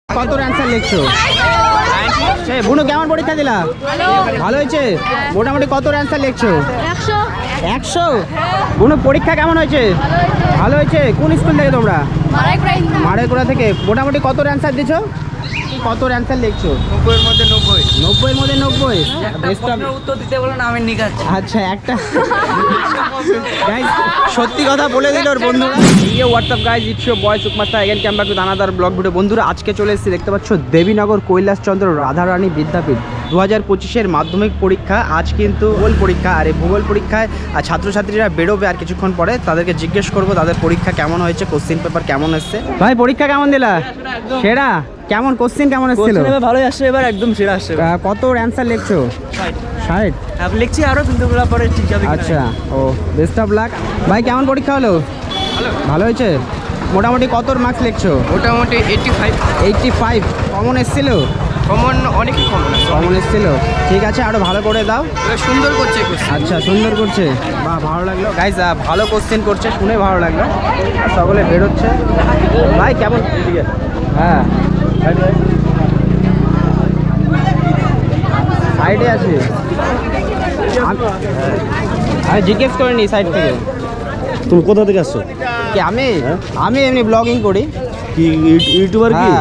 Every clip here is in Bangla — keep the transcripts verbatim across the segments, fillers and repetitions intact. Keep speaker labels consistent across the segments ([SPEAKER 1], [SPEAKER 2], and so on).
[SPEAKER 1] কত অ্যান্সার লিখছো? বুনু কেমন পরীক্ষা দিলা? ভালো হয়েছে। মোটামুটি কত অ্যান্সার লিখছো?
[SPEAKER 2] একশো।
[SPEAKER 1] একশো? বুনু পরীক্ষা কেমন হয়েছে? ভালো হয়েছে। কোন স্কুল থেকে তোমরা? মারাইকুড়া থেকে। মোটামুটি কত অ্যান্সার দিছো? কত অ্যান্সার লিখছো?
[SPEAKER 3] নব্বইয়ের মধ্যে নব্বই।
[SPEAKER 1] নব্বইয়ের মধ্যে নব্বই।
[SPEAKER 3] উত্তর দিতে বলো না, আমি নিকাজ।
[SPEAKER 1] আচ্ছা একটা গাইস সত্যি কথা বলে দিল ওর বন্ধুরা। Yeah what's up guys, it's your boy সুকমাস্তা again came back with another blog video. বন্ধুরা আজকে চলে এসেছি, দেখতে পাচ্ছ দেবীনগর কৈলাসচন্দ্র রাধারানী বিদ্যাপীঠ দু হাজার পঁচিশের মাধ্যমিক পরীক্ষা। আজ কিন্তু ভূগোল পরীক্ষা, আর এই ভূগোল পরীক্ষায় ছাত্রছাত্রীরা বেরোবে আর কিছুক্ষণ পরে। তাদেরকে জিজ্ঞেস করবো তাদের পরীক্ষা কেমন হয়েছে, কোশ্চিন পেপার কেমন এসছে। ভাই পরীক্ষা কেমন দিলা? সেরা? কেমন কোশ্চিন কেমন এসেছিল?
[SPEAKER 3] ভালোই আসছে, এবার একদম সেরা আসছে।
[SPEAKER 1] কত অ্যান্সার লিখছো? ষাট
[SPEAKER 3] লিখছি আরো, কিন্তু পরে ঠিক যাবে।
[SPEAKER 1] আচ্ছা, ও বেস্ট অফ লাক। ভাই কেমন পরীক্ষা হলো? ভালো হয়েছে। মোটামুটি কত মার্কস লিখছো?
[SPEAKER 3] মোটামুটি eighty five.
[SPEAKER 1] Eighty five. Common এসেছিল?
[SPEAKER 3] কমন অনেকই কমন
[SPEAKER 1] কমন এসেছিল। ঠিক আছে, আরো ভালো করে দাও।
[SPEAKER 3] সুন্দর করছে।
[SPEAKER 1] আচ্ছা সুন্দর করছে, বাহ ভালো লাগলো গাইস। ভালো কোশ্চেন করছে, শুনে ভালো লাগলো। সকলে বেরোচ্ছে। ভাই কেমন? হ্যাঁ সাইডে আছে, আমি জিজ্ঞেস করিনি সাইড থেকে।
[SPEAKER 4] তুমি কোথা থেকে আসছো?
[SPEAKER 1] কি আমি আমি এমনি ব্লগিং করি।
[SPEAKER 4] কি ইউটিউবার কি?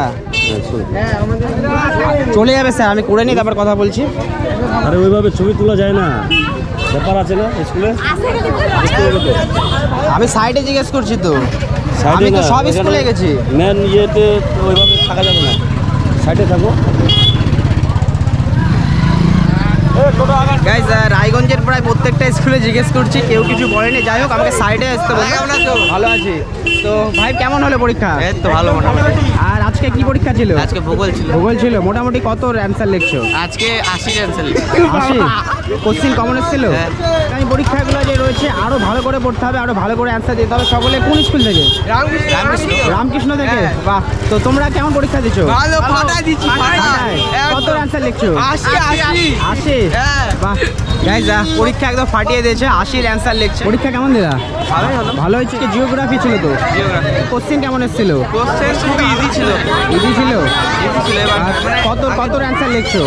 [SPEAKER 1] চলে যাবে স্যার, আমি করে নিই তারপর কথা বলছি।
[SPEAKER 4] আরে ওইভাবে ছবি তোলা যায় না, ব্যাপার আছে না স্কুলে।
[SPEAKER 1] আমি সাইডে জিজ্ঞেস করছি তো,
[SPEAKER 4] সাইডে
[SPEAKER 1] আমি তো
[SPEAKER 4] না,
[SPEAKER 1] সব
[SPEAKER 4] এখানে
[SPEAKER 1] স্কুলে গেছি।
[SPEAKER 4] মেন ইয়েতে ওইভাবে থাকা যাবে না, সাইডে থাকো।
[SPEAKER 1] গাইস রায়গঞ্জের প্রায় প্রত্যেকটা স্কুলে জিজ্ঞেস করছি, কেউ কিছু বলেনি। যাই হোক আমাকে সাইডে আসতে বলে। ভালো আছি তো। ভাই কেমন হলো পরীক্ষা?
[SPEAKER 3] এই তো ভালো মোটামুটি।
[SPEAKER 1] আর আজকে কি পরীক্ষা ছিল?
[SPEAKER 3] আজকে ভূগোল ছিল।
[SPEAKER 1] ভূগোল ছিল। মোটামুটি কত অ্যান্সার লিখছো?
[SPEAKER 3] আজকে আশি অ্যান্সার।
[SPEAKER 1] আশি? কোশ্চিন কমন এসেছিল? এই পরীক্ষাগুলো যে রয়েছে আরো ভালো করে পড়তে হবে, আরো ভালো করে অ্যান্সার দিতে হবে। সকলে কোন স্কুল থেকে? রামকৃষ্ণ থেকে। বাহ, তো তোমরা কেমন পরীক্ষা দিচ্ছ?
[SPEAKER 3] ভালো, ফাটাই দিচ্ছি।
[SPEAKER 1] কত অ্যান্সার লিখছো?
[SPEAKER 3] আশি আশি
[SPEAKER 1] আশি? বাহ গাইস পরীক্ষা একদম ফাটিয়ে দিয়েছে, আশির অ্যান্সার লিখছে। পরীক্ষা কেমন দিলা?
[SPEAKER 3] ভালোই হলো।
[SPEAKER 1] ভালো হয়েছে। জিওগ্রাফি ছিল তো?
[SPEAKER 3] জিওগ্রাফি
[SPEAKER 1] কোশ্চিন কেমন এসেছিল?
[SPEAKER 3] কোশ্চেন খুবই ইজি ছিল।
[SPEAKER 1] ইজি ছিল?
[SPEAKER 3] ইজি ছিল। এবার
[SPEAKER 1] আর কত কত অ্যান্সার লিখছো?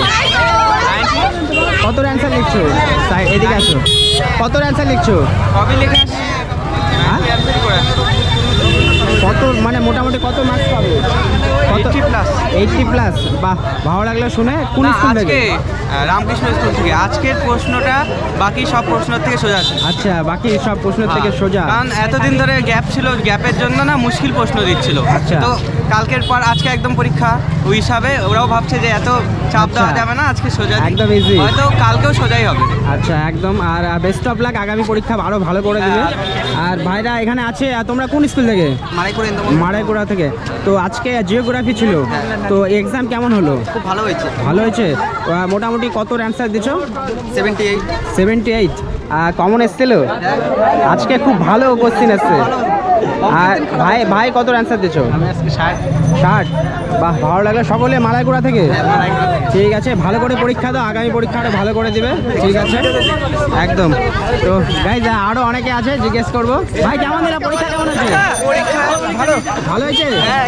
[SPEAKER 1] কত অ্যান্সার লিখছো? তাই এদিকে আসো। কত অ্যান্সার লিখছো?
[SPEAKER 3] কবি লিখে আসছি।
[SPEAKER 1] হ্যাঁ?
[SPEAKER 3] অ্যান্সার করে আসছি।
[SPEAKER 1] কত মানে মোটামুটি কত মার্কস পাবে? কত?
[SPEAKER 3] Eighty plus.
[SPEAKER 1] Eighty plus. বাহ ভালো লাগলো শুনে। কোন স্কুল থেকে?
[SPEAKER 3] আজকে রামকৃষ্ণ স্কুল থেকে। আজকের প্রশ্নটা বাকি সব প্রশ্নের থেকে সোজা আছে।
[SPEAKER 1] আচ্ছা, বাকি সব প্রশ্ন থেকে সোজা।
[SPEAKER 3] কারণ এতদিন ধরে গ্যাপ ছিল, গ্যাপের জন্য না মুশকিল প্রশ্ন দিচ্ছিল।
[SPEAKER 1] আচ্ছা।
[SPEAKER 3] তো কালকের পর আজকে একদম পরীক্ষা, ওই হিসাবে ওরাও ভাবছে যে এত চাপ দেওয়া
[SPEAKER 1] আচ্ছা।
[SPEAKER 3] যাবে না, আজকে সোজা দিই।
[SPEAKER 1] একদম easy।
[SPEAKER 3] হয়তো কালকেও সোজাই হবে।
[SPEAKER 1] আচ্ছা একদম। আর বেস্ট অফ লাক, আগামী পরীক্ষা আরো ভালো করে দেবে। আর ভাইরা এখানে আছে। আর তোমরা কোন স্কুল থেকে?
[SPEAKER 3] মারাইপুর
[SPEAKER 1] মারাইকুড়া থেকে। তো আজকে জিওগ্রাফি ছিল, তো এক্সাম কেমন হলো?
[SPEAKER 3] খুব ভালো হয়েছে।
[SPEAKER 1] ভালো হয়েছে। আহ, মোটামুটি কত অ্যান্সার দিছো?
[SPEAKER 3] Seventy eight.
[SPEAKER 1] Seventy eight. Common এসছিল? আজকে খুব ভালো কোশ্চিন এসছে। আর ভাই ভাই কত অ্যান্সার দিছো?
[SPEAKER 3] আমি আজকে ষাট।
[SPEAKER 1] ষাট? বাহ ভালো লাগলো। সকলে মালাইকুড়া থেকে? ঠিক আছে, ভালো করে পরীক্ষা দাও, আগামী পরীক্ষা আরো ভালো করে দিবে। ঠিক আছে একদম। তো গাইজ আরো অনেকে আছে, জিজ্ঞেস করবো। ভাই কেমন দিলা পরীক্ষা? কেমন হয়েছে?
[SPEAKER 3] পরীক্ষা ভালো।
[SPEAKER 1] ভালো হয়েছে।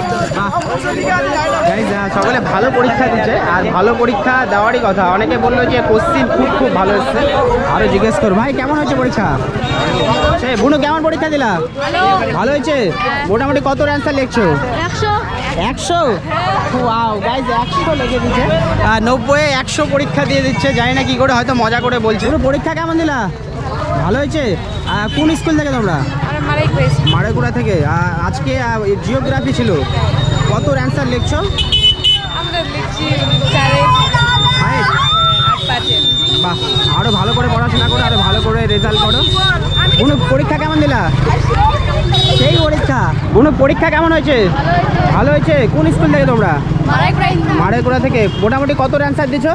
[SPEAKER 1] গাইজ সকলে ভালো পরীক্ষা দিচ্ছে, আর ভালো পরীক্ষা দেওয়ারই কথা। অনেকে বললো যে কোশ্চিন খুব খুব ভালো এসছে। আরো জিজ্ঞেস করো। ভাই কেমন হয়েছে পরীক্ষা? সে বুনু কেমন পরীক্ষা দিলা? ভালো হয়েছে। মোটামুটি কত অ্যান্সার লিখছো?
[SPEAKER 2] একশো।
[SPEAKER 1] একশো? ওয়াও গাইজ একশো লিখে দিচ্ছে। নব্বই একশো পরীক্ষা দিয়ে দিচ্ছে, জানি না কি করে, হয়তো মজা করে বলছে। পুরো পরীক্ষা কেমন দিলা? ভালো হয়েছে। আহ, কোন স্কুল থেকে তোমরা? মারাইকুড়া থেকে। আহ, আজকে জিওগ্রাফি ছিল। কত অ্যান্সার লিখছো?
[SPEAKER 2] আমরা লিখছি চারে
[SPEAKER 1] ফাইভ?
[SPEAKER 2] আট পাঁচে।
[SPEAKER 1] বাহ, আরো ভালো করে পড়াশোনা করো, আরো ভালো করে রেজাল্ট করো। কোনো পরীক্ষা কেমন দিলা? সেই পরীক্ষা। কোনো পরীক্ষা কেমন হয়েছে? ভালো হয়েছে। কোন স্কুল থেকে তোমরা? মারাইকুড়া থেকে। মোটামুটি কত অ্যান্সার দিছো?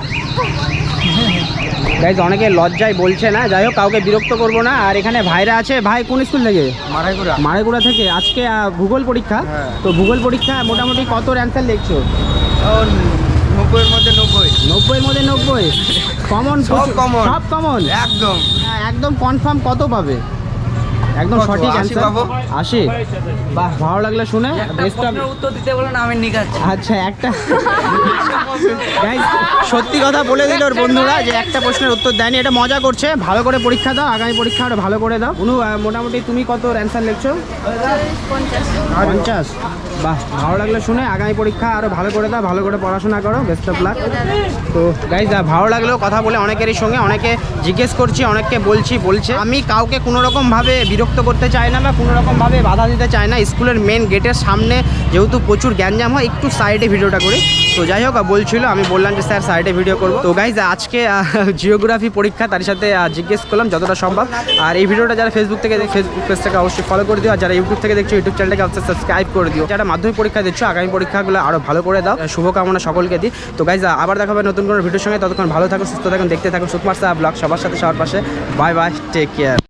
[SPEAKER 1] গাইজ অনেকে লজ্জায় বলছে না, যাই হোক কাউকে বিরক্ত করবো না। আর এখানে ভাইরা আছে। ভাই কোন স্কুল থেকে?
[SPEAKER 3] মারাইপুরা।
[SPEAKER 1] মারাইকুড়া থেকে। আজকে আহ, ভূগোল পরীক্ষা। তো ভূগোল পরীক্ষা মোটামুটি কত অ্যান্সার লিখছো?
[SPEAKER 3] নব্বইয়ের মধ্যে নব্বই।
[SPEAKER 1] নব্বইয়ের মধ্যে নব্বই। কমন?
[SPEAKER 3] সব common।
[SPEAKER 1] সব কমন
[SPEAKER 3] একদম
[SPEAKER 1] একদম কনফার্ম। কত পাবে? একদম
[SPEAKER 3] কত?
[SPEAKER 1] সঠিক
[SPEAKER 3] আশি
[SPEAKER 1] অ্যান্সার
[SPEAKER 3] পাবো?
[SPEAKER 1] আশি। বাহ, ভালো লাগলো শুনে। Best of.
[SPEAKER 3] উত্তর দিতে বলেন আমি নিকাচ্ছি।
[SPEAKER 1] আচ্ছা একটা গাইস সত্যি কথা বলে দিল ওর বন্ধুরা যে একটা প্রশ্নের উত্তর দেয়নি, এটা মজা করছে। ভালো করে পরীক্ষা দাও, আগামী পরীক্ষা আরো ভালো করে দাও। অনু আহ, মোটামুটি তুমি কত অ্যান্সার লিখছো?
[SPEAKER 2] পঞ্চাশ।
[SPEAKER 1] পঞ্চাশ। বাহ, ভালো লাগলো শুনে। আগামী পরীক্ষা আরো ভালো করে দাও, ভালো করে পড়াশোনা করো। Best of luck. তো গাইজ ভালো লাগলো কথা বলে অনেকেরই সঙ্গে, অনেকে জিজ্ঞেস করছি, অনেককে বলছি বলছে আমি কাউকে কোনো রকমভাবে বিরক্ত করতে চাই না বা কোনো রকমভাবে বাধা দিতে চাই না। স্কুলের মেন গেটের সামনে যেহেতু প্রচুর গ্যাঞ্জাম হয়, একটু সাইডে ভিডিওটা করি। তো যাই হোক বলছিল, আমি বললাম যে স্যার সাইডে ভিডিও করবো। তো গাইজ আজকে জিওগ্রাফি পরীক্ষা, তার সাথে আহ, জিজ্ঞেস করলাম যতটা সম্ভব। আর এই ভিডিওটা যারা ফেসবুক থেকে দেখ- ফেসবুক পেজটাকে অবশ্যই ফলো করে দিও, আর যারা ইউটিউব থেকে দেখছো ইউটিউব চ্যানেলটাকে অবশ্যই সাবস্ক্রাইব করে দিও। যারা মাধ্যমিক পরীক্ষা দিচ্ছ আগামী পরীক্ষাগুলো আরও ভালো করে দাও, শুভকামনা সকলকে দিই। তো গাইজ আবার দেখা হবে নতুন কোনো ভিডিওর সঙ্গে, ততক্ষণ ভালো থাকুন, সুস্থ থাকুন, দেখতে থাকুন সুকুমার সাহা ব্লগ, সবার সাথে সবার পাশে। Bye bye, take care.